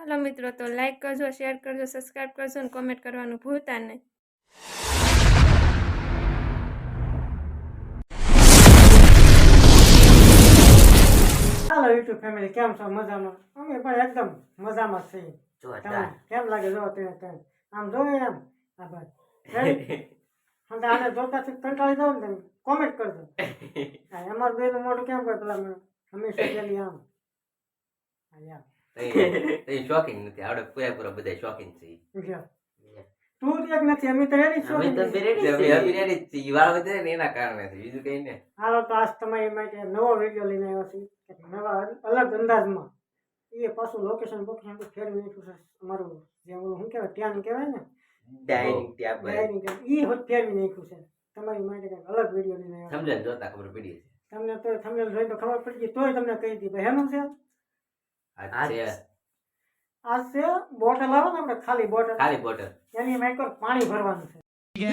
ચાલો મિત્રો તો લાઈક કરજો, શેર કરજો, સબસ્ક્રાઇબ કરજો અને કોમેન્ટ કરવાનું ભૂલતા નહીં. હાલો યુટ્યુબ ફેમિલી, કેમ છો? મજામાં? અમે પણ એકદમ મજામાં છીએ. કેમ લાગે? જો તમે આમ જોવે એમ આ ભાઈ અને આને જોતાથી કંટાળી જાવ ને તમે કોમેન્ટ કરજો. અમારું બેનું મોઢું કેમ કરે પેલા હંમેશા જેલી આમ શોખીન નથી આવડે પૂરેપૂરા બધા શોખીન છે. તું જ એક નથી, અમે તો રેડી છો. એના કારણે બીજું કઈ ને. હાલો તો આજ તમારી માટે નવો વિડીયો લઈને આવ્યો છે, નવા અલગ અંદાજમાં. એ પાછું લોકેશન બોકેશન ફેરવી નાખ્યું છે. અમારું જે ઓલું શું કહેવાય ત્યાં કહેવાય ને ડાઇનિંગ ટેબલ એ હોત ફેરવી નાખ્યું છે. તમારી માટે કંઈક અલગ વિડીયો લઈને આવ્યો. સમજણ જોતા ખબર પડી છે. તમને તો થંબનેલ જોઈને તો ખબર પડી ગઈ, તોય તમને કહી દી ભાઈ હેનું છે. આ છે બોટલ આવે ને આપણે ખાલી બોટલ એની એમાં એક પાણી ભરવાનું છે.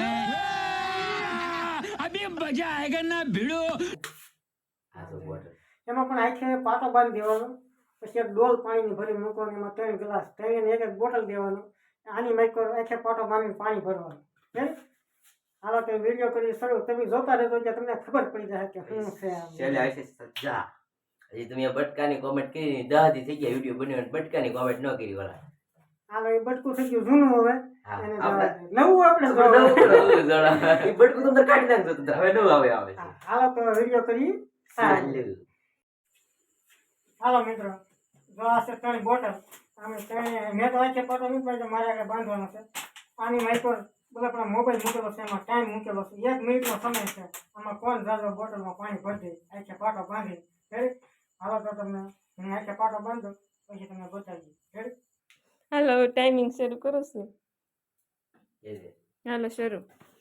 એમાં પણ આખે પાટો બાંધી દેવાનો, પછી એક ડોલ પાણીની ભરી મૂકવાની, એમાં 3 ગ્લાસ, 3 ને એક બોટલ દેવાનું. આની માઇકો આખે પાટો બાંધીને પાણી ભરવાનું. હાલો તો વિડીયો કરી શરૂ. તમે જોતા રહેજો એટલે તમને ખબર પડી જાય કે શું છે. સજા હજી તમે બટકાની કોમેન્ટ કરી 10 દી થઈ ગયા વિડીયો બનાવીને બટકાની કોમેન્ટ ન કરી વાળા. હાલો એ બટકું થઈ ગયું જૂનું, હવે નવું આપણે એ બટકું તમને કાઢી નાખજો તો હવે નવું આવે છે. હાલો તો વિડીયો કરી. હાલો મિત્રો, જો આ છે 3 બોટલ. આમે 3 મેં તો આખે પાટો નથી બાંધ્યો, મારે આગળ બાંધવાનો છે. આની માઇકો બોલે પણ મોબાઈલ મૂકેલો છે, એમાં ટાઈમ મૂકેલો છે, 1 મિનિટનો સમય છે. આમાં કોણ જાજો બોટલમાં પાણી ભરી દે આખે પાટો બાંધી. રેડી? હાલો તો તમને હું આખે પાટો બાંધો પછી તમને બતાવી. રેડી? હાલો ટાઈમિંગ શરૂ કરો છું. હાલો શરૂ.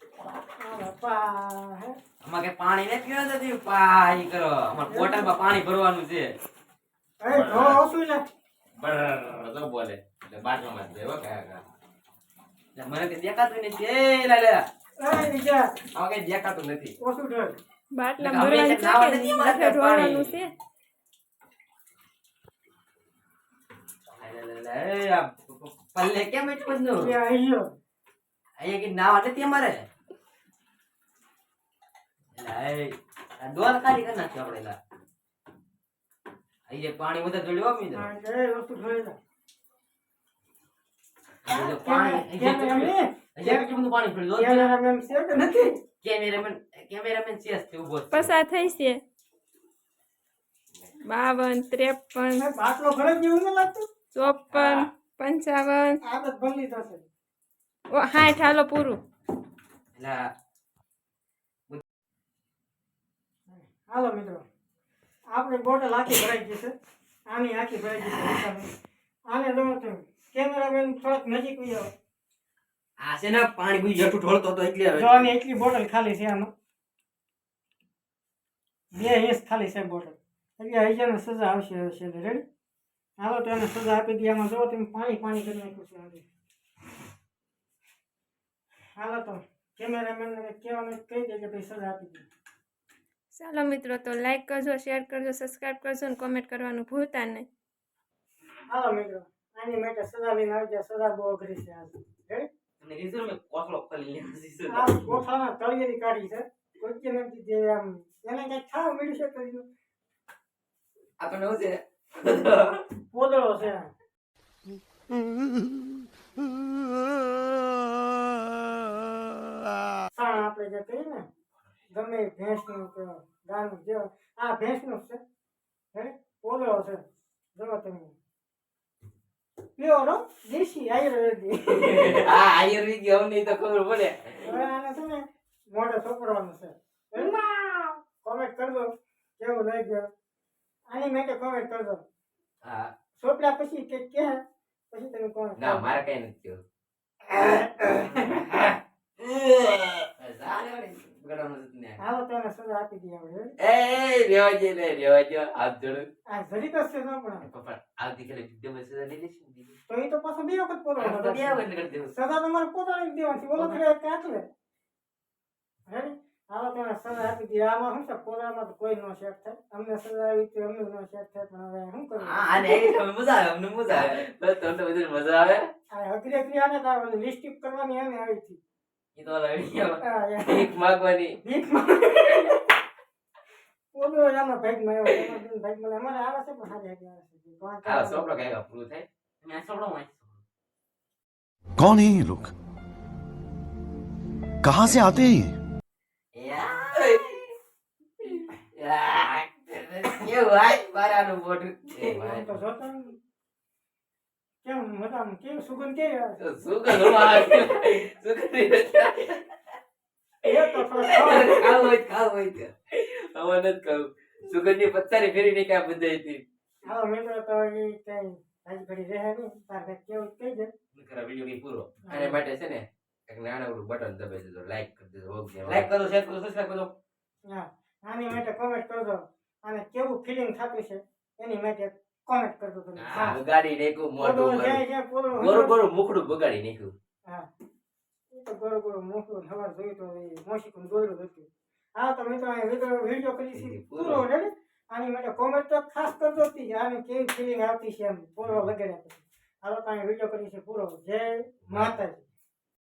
આમાં કે પાણી ને પીવા નથી, પાણી કરો. અમાર બોટલમાં પાણી ભરવાનું છે. એ જો ઓછું લે બરાબર બોલે એટલે બાટલામાં જ દેવો કાકા. મને કે દેખાતું નથી. એ લે લે એ નીચે આમાં કઈ દેખાતું નથી. ઓછું ઢોળ. બાટલા ભરવાનું છે કે માથે ઢોળવાનું છે. પલ્લે કેમ એટલું બધું? અહીંયા કે નાવા નથી અમારે. ડોલ ખાલી કરી નાખ્યો આપણે. અહીંયા પાણી બધા જોડ્યો મિત્રો. એ ઓછું ઢોળ લે. પાણી કેટલું બધું પાણી પડ્યું. કેમેરામેન છે કે નથી? કેમેરામેન છે ઉભો છે. પસાર થઈ છે 52, 53, બાટલો ભરે જેવું ન લાગતું. 54, 55, આદત ભલી થશે. 60. હાલો પૂરું. હાલો મિત્રો, આપણે બોટલ આખી ભરાઈ ગઈ છે. આની આખી ભરાઈ ગઈ છે. આને જો તમે કેમેરામેન થોડોક નજીક આવી જાઓ. આ છે ને પાણી બી જટું ઢોળતો હતો એટલે જો આની એટલી બોટલ ખાલી છે. આમાં 2 ઇંચ ખાલી છે બોટલ. એટલે હજારને સજા આવશે. રેડી? હાલો તો એને સજા આપી દઈએ. આમાં જો તમે પાણી પાણી કરી નાખ્યું છે. હાલો તો કેમેરામેનને કહેવાનું કહી દે કે ભાઈ સજા આપી દે. ચાલો મિત્રો તો લાઈક કરજો, શેર કરજો, સબસ્ક્રાઇબ કરજો અને કોમેન્ટ કરવાનું ભૂલતા નહીં. હાલો મિત્રો, આની માટે સજા લઈને આવી જાય. સજા બહુ અઘરી છે. આજ રેડી? તમને કીધું મેં કોથળો ખોલી લેવાનો છે. આ કોઠાના તળિયેની કાઢી છે. કોઈ કે નથી જે આમ એને કઈ ખાવા મળ્યું છે કર્યું. આ તો નવું છે. પોદળો છે. સાણ આપણે જે કહીએ ને ગમે ભેંસનું કે ગાયનું જે આ ભેંસનું છે. પોદળો છે. જો તમે પ્યોર દેશી આયુર્વેદિક. આ આયુર્વેદિક હવે નહીં તો ખબર પડે. હવે આને છે ને મોઢે ચોપડવાનું છે. કોમેન્ટ કરજો કેવું લાગ્યું. આની માટે કોમેન્ટ કરજો. હા ચોપડ્યા પછી કે પછી તમે કોમેન્ટ ના મારે કઈ નથી થયું. હાલો તો એને સજા આપી દઈએ આપણે. એ રેવાજો હાથ જોડું. આ જરી કરશે ન પણ પપ્પા આવતીકાલે વિડિયો મેસેજ લઈ લેશું. તો એ તો પાછો 2 વખત પોદળો તો બે વખત કરી દેવું. સજા તમારે પોતાની જ દેવાની. ઓલો કરે કાટલે. રેડી? આવા તો સલાહ આપી દીધી આમાં શું છે પોરામાં તો કોઈ નો સેટ થાય અમને સલાહ આવી તો અમને નો સેટ થાય પણ હવે શું કરવું આને એક મજા આવે અમને મજા આવે બસ તમને બધું મજા આવે આ અઘરી અઘરી આને તો લિસ્ટિક કરવાની એને આવી હતી ઈ તો ઓલા વિડિયો હા, યાર. ભીખ માંગવાની ભીખમાં ઓલો એનો ભાગમાં આવ્યો એનો બેન ભાગમાં અમારે આવે છે પણ હારી હારી આવે છે પાંચ આ સોપડો કઈ પૂરું થાય તમે આ સોપડો માં कौन है ये लोग कहां से आते हैं ये કેવું આય બારાનું મોઢું આમ તો જોતા ને. કેમ મતલબ કેવું સુગંધ કેવી આવે છે? સુગંધ આવે સુગંધ એ તો થોડો ખાવ હોય કે હવે નથી કહું સુગંધની પત્તાની ફેરી નહીં ક્યાં બંધાઈ હતી આવો મિત્રો તો એ કઈ આજ ઘડી રહે નહીં તાર કઈ કેવું કહી દે ખરા વિડિયો ની પૂરો આને માટે છે ને એક નાનકડું બટન દબાવી દેજો લાઈક કરી દેજો લાઈક કરો શેર કરો સબસ્ક્રાઇબ કરો હા આની માટે કોમેન્ટ કરજો અને કેવું ફીલિંગ થતું છે એની માટે કોમેન્ટ કરજો તમે હા બગાડી નાખ્યું મોઢું પૂરું મારું. જાય છે પૂરું ગોરું ગોરું મુખડું બગાડી નાખ્યું હા એ તો ગોળ ગોળ મોકલું સવાર જોયું તો એ મોશીકું દોડ્યું હતું હા તો મિત્રો આ વિડીયો કરી છે પૂરો રેડી આની માટે કોમેન્ટ તો ખાસ કરજો જ તી. આની કેવી ફીલિંગ આવતી છે એમ પૂરો વગેરે પછી હાલો તો વિડીયો કરી છે પૂરો જય માતાજી